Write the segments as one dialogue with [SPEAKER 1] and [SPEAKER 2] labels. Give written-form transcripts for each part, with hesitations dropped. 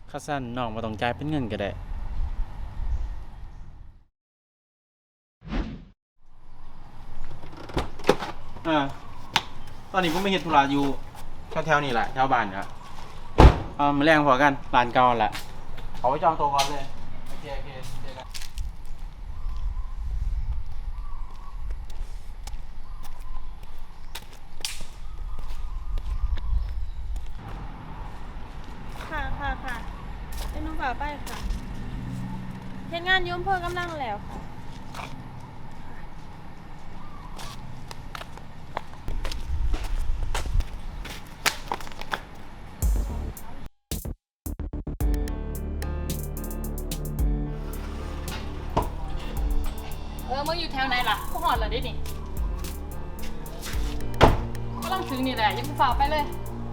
[SPEAKER 1] ค่าสั้นน้องบ่ต้องจ่ายเป็นเงินก็ได้อ่าตอนนี้ผมไปเฮ็ดธุระอยู่แถวๆนี่แหละแถวบ้านครับมาแรงพอกันร้านเก่าแหละเอาไว้จองโต๊ะก่อนเลยโอเคเจอกัน
[SPEAKER 2] ค่ะเป็นน้องฝ่าไปค่ะเฮ็ดงานอยุ่อำเภอกำลังแล้วค่ะมึงอยู่แถวไหนล่ะกูหอดเหรอดินี่กำลังถึงนี่แหละยังฝ่าไปเลย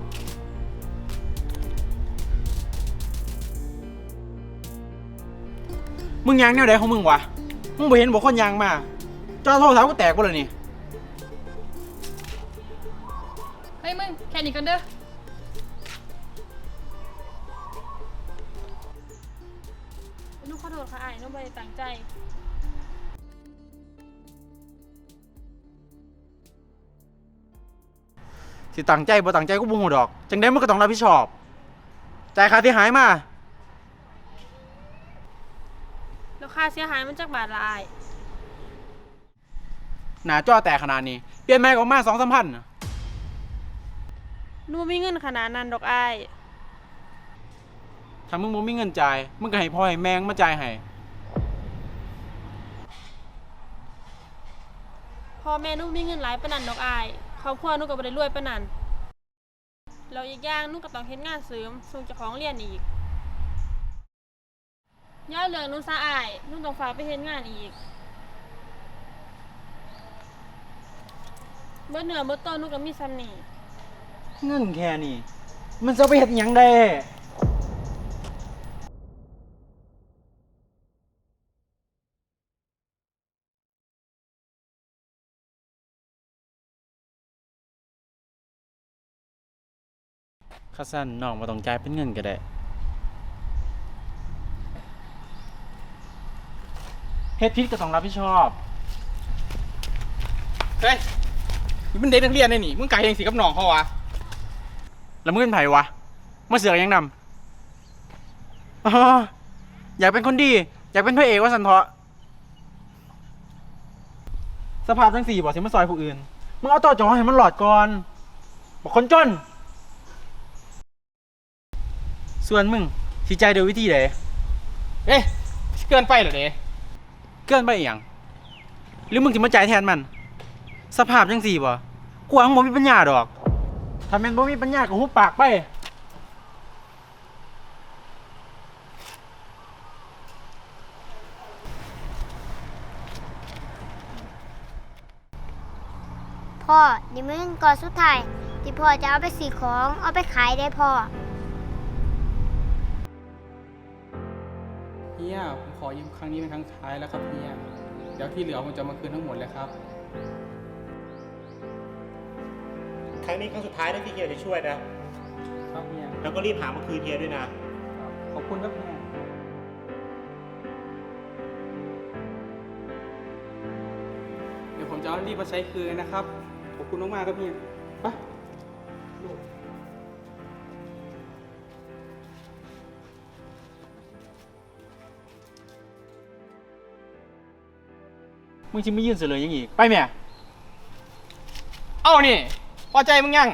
[SPEAKER 1] มึงยางแนวใดของมึงวะมึงบ่เห็นบอกคนยางมาจอโทรศัพท์ก็แตกบ่เลยนี่
[SPEAKER 2] เฮ้ยมึงแค่นี้กันเด้อนุขอโทษค่ะอ้ายนุไม่ได้ตั้งใจ
[SPEAKER 1] สิตั้งใจบ่ตั้งใจกูบ่ฮู้ดอกจังได๋มึงก็ต้องรับผิดชอบจ่ายค่าที่หายมา
[SPEAKER 2] แล้วค่าเสียหายมันจักบาทละอ้าย
[SPEAKER 1] หน้าจอแตกขนาดนี้เปลี่ยนใหม่ก็ออกมา 2-3 พันน่ะ
[SPEAKER 2] หนูบ่มีเงินขนาดนั้นดอกอ้าย
[SPEAKER 1] ถ้ามึงบ่มีเงินจ่ายมึงก็ให้พ่อให้แม่งมาจ่ายให้
[SPEAKER 2] พ่อแม่หนูมีเงินหลายปานนั้นดอกอ้ายครอบครัวหนูก็บ่ได้รวยปานนั้นแล้วอีกอย่างหนูก็ต้องเฮ็ดงานเสริมส่งเจ้าของเรียนอีกย้ายเรื่องหนูซะอ้ายหนูต้องฝากไปเฮ็ดงานอีกเบิดเนื้อเบิดตัวหนูก็มีซ้ำนี่
[SPEAKER 1] เงินแค่นี้มันจะเอาไปเฮ็ดหยังได้ค่าสั้นน้องบ่ต้องจ่ายเป็นเงินก็ได้เฮ็ดผิดก็ต้องรับผิดชอบเฮ้ยนี่มันเด็กนักเรียนได้นี่มึงกะเฮ็ดจังซี่กับน้องเขาวะแล้วมึงเป็นไผวะมาเสือกหยังนำอ๋ออยากเป็นคนดีอยากเป็นพระเอกว่าซั่นเถาะสภาพจังซี่บ่สิมาซอยผู้อื่นมึงเอาต่อจอให้มันหลอดก่อนบอกคนจนส่วนมึงสิใจายโดยวิธีใดเอ๊ะเกินไปเหรอเด้เกินไปอีหยังหรือมึงสิมาจ่ายแทนมันสภาพจังซี่บ่กูว่ามึงบ่มีปัญญาดอกถ้าแม่นบ่มีปัญญาก็หุบปากไป
[SPEAKER 3] พ่อนี่มันก่อนสุดท้ายที่พ่อจะเอาไปซื้อของเอาไปขายได้พ่อ
[SPEAKER 4] เฮียผมขอยืมครั้งนี้เป็นครั้งสุดท้ายแล้วครับเฮียเดี๋ยวที่เหลือผมจะมาคืนทั้งหมดเลยครับ
[SPEAKER 5] ครั้งนี้ครั้งสุดท้ายนะที่เฮียจะช่วยนะครับ
[SPEAKER 4] เฮีย
[SPEAKER 5] แล้วก็รีบหามาคืนเฮียด้วยนะ
[SPEAKER 4] ขอบคุณครับเฮียเดี๋ยวผมจะเอารีบมาใช้คืนนะครับขอบคุณมากๆครับเฮียไป
[SPEAKER 1] มึงสิมายื่นเสลยหยังอีกไปแม่
[SPEAKER 4] เอานี่พอใจมึงยัง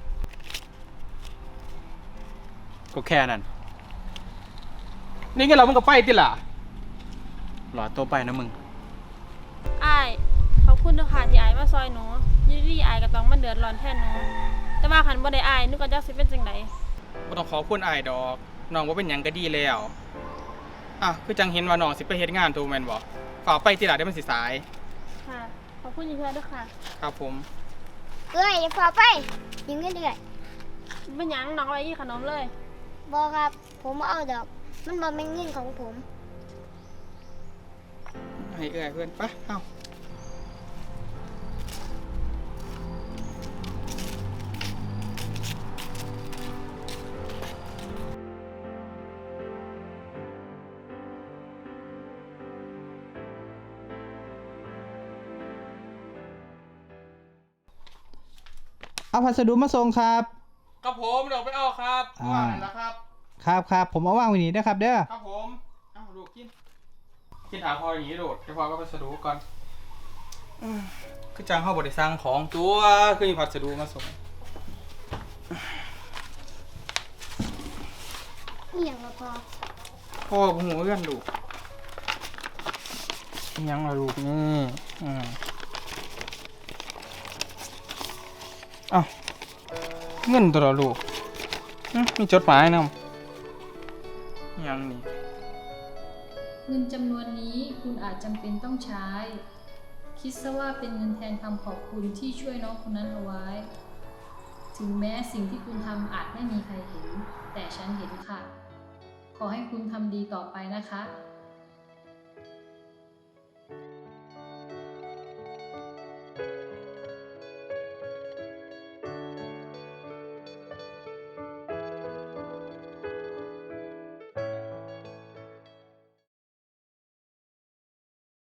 [SPEAKER 1] ก็แค่นั้น
[SPEAKER 4] นี่งั้นเรามึงก็ไปติล่ะ
[SPEAKER 1] หลอดตัวไปนะมึง
[SPEAKER 2] อ้ายขอบคุณเด้อค่ะที่อ้ายมาซอยหนูอยี่ดีอ้ายก็ต้องมาเดือดร้อนแทนหนูแต่ว่าคันบ่ได้อ้ายหนูก็จักสิเป็นจังได
[SPEAKER 4] บ่ต้องขอคุณอายดอกน้องว่าเป็นหยังก็ดีแล้วคือจังเห็นว่าน้องสิไปเฮ็ดงานถูกแม่นบ่ฝากไปติล่ะได้มันสิสาย
[SPEAKER 2] ค่ะขอบคุณอีกเทื่อเด้อค่ะ
[SPEAKER 4] ครับผม
[SPEAKER 3] เอ้ยอย่าพอไปยืมเงินเดือน
[SPEAKER 2] เป็นหยังน้องเอาไปกินขนมเลย
[SPEAKER 3] บอกครับ ผมบ่เอาดอก มันบ่เป็นเงินของผม
[SPEAKER 4] ให้เอื้อยเพื่อนไปเอ้า
[SPEAKER 6] เอาพัสดุมาส่งครับ
[SPEAKER 4] ครับผมเดี๋ยวไปเอาครับ
[SPEAKER 6] อ่า
[SPEAKER 4] ว่างนั่นแหละครับ
[SPEAKER 6] ครับผมเอาว่างไว้นี่นะครับเด้อ
[SPEAKER 4] ครับผมเอ้าลูกกินหาพออย่างนี้โดดจะพอก็พัสดุก่อนคือจังเข้าบริสั่งของตัวคือมีพัสดุมาส่ง
[SPEAKER 3] นี่อย่างละพอ
[SPEAKER 4] พ่อผมหัวเอื้อนลูกยังละลูกนี่เอ้าเงินตัวละลูกมีจดหมายนำยังนี่
[SPEAKER 7] เงินจำนวนนี้คุณอาจจำเป็นต้องใช้ คิดซะว่าเป็นเงินแทนคำขอบคุณที่ช่วยน้องคนนั้นเอาไว้ ถึงแม้สิ่งที่คุณทำอาจไม่มีใครเห็น แต่ฉันเห็นค่ะ ขอให้คุณทำดีต่อไปนะคะ